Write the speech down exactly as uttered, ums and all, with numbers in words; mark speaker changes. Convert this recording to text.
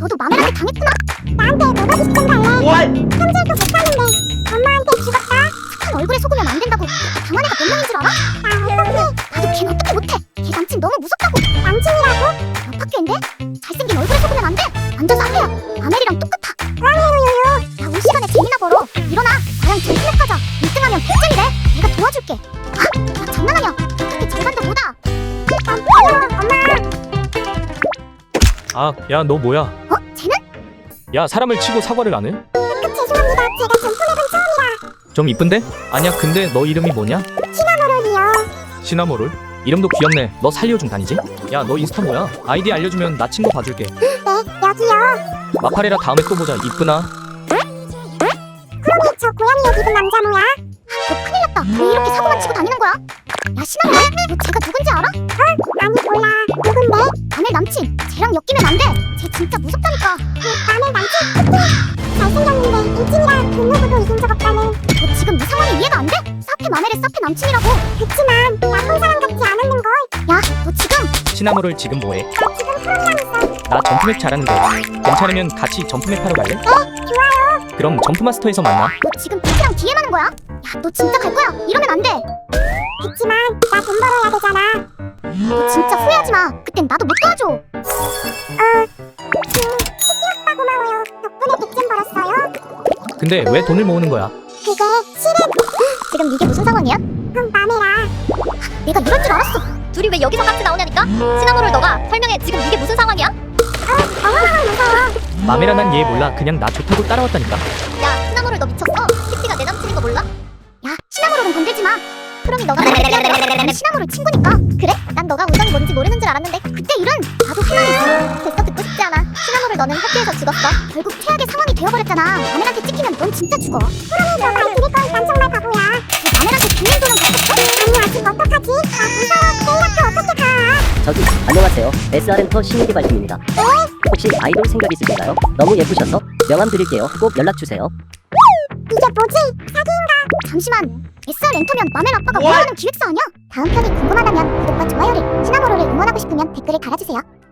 Speaker 1: 너도 마멜한테 당했구나. 나한테 뭐가 비슷한 달래. 현질도 못하는데 엄마한테 죽었다. 착한 얼굴에 속으면 안 된다고. 당한 애가 몇 명인 줄 알아? 나 어떡해. 나도 걔는 어떻게 못해. 걔 남친 너무 무섭다고. 남친이라고? 옆 학교인데? 잘생긴 얼굴에 속으면 안 돼. 완전 쌍이야. 마멜이랑 똑같아. 아니요요요. 야, 올 시간에 재미나 벌어. 일어나. 나랑 젠틀맨 하자. 일 등하면 백 점이래. 내가 도와줄게. 아, 나 장난하냐. 어떻게 절반도 못 와. 깜짝이야. 엄마.
Speaker 2: 아, 야, 너 뭐야?
Speaker 1: 어? 쟤는?
Speaker 2: 야, 사람을 치고 사과를 안 해?
Speaker 1: 그 죄송합니다. 제가 점프맵은 처음이라.
Speaker 2: 좀 이쁜데? 아니야, 근데 너 이름이 뭐냐?
Speaker 1: 시나모롤이요.
Speaker 2: 시나모롤? 이름도 귀엽네. 너 살리오 중 다니지? 야, 너 인스타 뭐야? 아이디 알려주면 나 친구 봐줄게.
Speaker 1: 네, 여기요.
Speaker 2: 마파레라 다음에 또 보자. 이쁘나?
Speaker 1: 그러니 저 고양이 옷 입은 남자 뭐야? 너 큰일 났다. 왜 이렇게 사고만 치고 다니는 거야? 야, 시나모롤, 너 쟤가 누군지 알아? 어? 아니 몰라. 누군데? 마멜 남친. 쟤랑 엮이면 안 돼. 쟤 진짜 무섭다니까. 그 마멜 남친? 그치? 잘생겼는데 일진이라 근무구도 잊은 적 없다는. 너 지금 이 상황이 이해가 안 돼? 사페 마멜의 사페 남친이라고. 그치만 나쁜 사람 같지 않았는걸. 야, 너 지금
Speaker 2: 시나모롤 지금 뭐해?
Speaker 1: 나 지금 프로그램 있어.
Speaker 2: 나 점프맵 잘하는데 괜찮으면 같이 점프맵 하러 갈래?
Speaker 1: 어? 좋아요.
Speaker 2: 그럼 점프마스터에서 만나.
Speaker 1: 너 지금 피지랑 디엠 하는 거야? 야, 너 진짜 갈 거야? 이러면 안 돼. 그치만 나 돈 벌어야 되잖아. 너 진짜 후회하지 마. 그땐 나도 못 도와줘. 어, 그 시키 오빠 고마워요. 덕분에 백 점 벌었어요.
Speaker 2: 근데 왜 돈을 모으는 거야?
Speaker 1: 그게 실은 지금 이게 무슨 상황이야? 응, 마메라. 내가 이럴 줄 알았어.
Speaker 3: 둘이 왜 여기서 같이 나오냐니까? 시나모롤 너가 설명해. 지금 이게 무슨 상황이야?
Speaker 1: 어, 어머나 무서워.
Speaker 2: 마메라 난 얘 몰라. 그냥 나 좋다고 따라왔다니까.
Speaker 3: 야, 시나모롤 너 미쳤어? 키티가 내 남친인 거 몰라?
Speaker 1: 야, 시나모롤은 건들지 마. 그럼이 너가 나는 시나모롤 친구니까. 그래? 난 너가 우정이 뭔지 모르는 줄 알았는데 그때 일은 나도 할 말이 있어. 됐어, 듣고 싶지 않아. 시나모롤 너는 학교에서 죽었어. 결국 최악의 상황이 되어버렸잖아. 마멜한테 찍히면 넌 진짜 죽어. 그러면 너 말 들을 걸. 난 정말 바보야. 너 마멜한테 죽는 도는 갔었어? 아니, 아직 어떡하지? 아, 무서워. 내일 학교 어떻게 가?
Speaker 4: 저기 안녕하세요. 에스알엠터 신인개발팀입니다. 혹시 아이돌 생각 있으신가요? 너무 예쁘셔서 명함 드릴게요. 꼭 연락주세요.
Speaker 1: 이게 뭐지? 사기인가? 잠시만. 에스알 엔터면 마멜 아빠가 뭐하는 기획사 아니야? 다음 편이 궁금하다면 구독과 좋아요를, 시나모롤을 응원하고 싶으면 댓글을 달아주세요.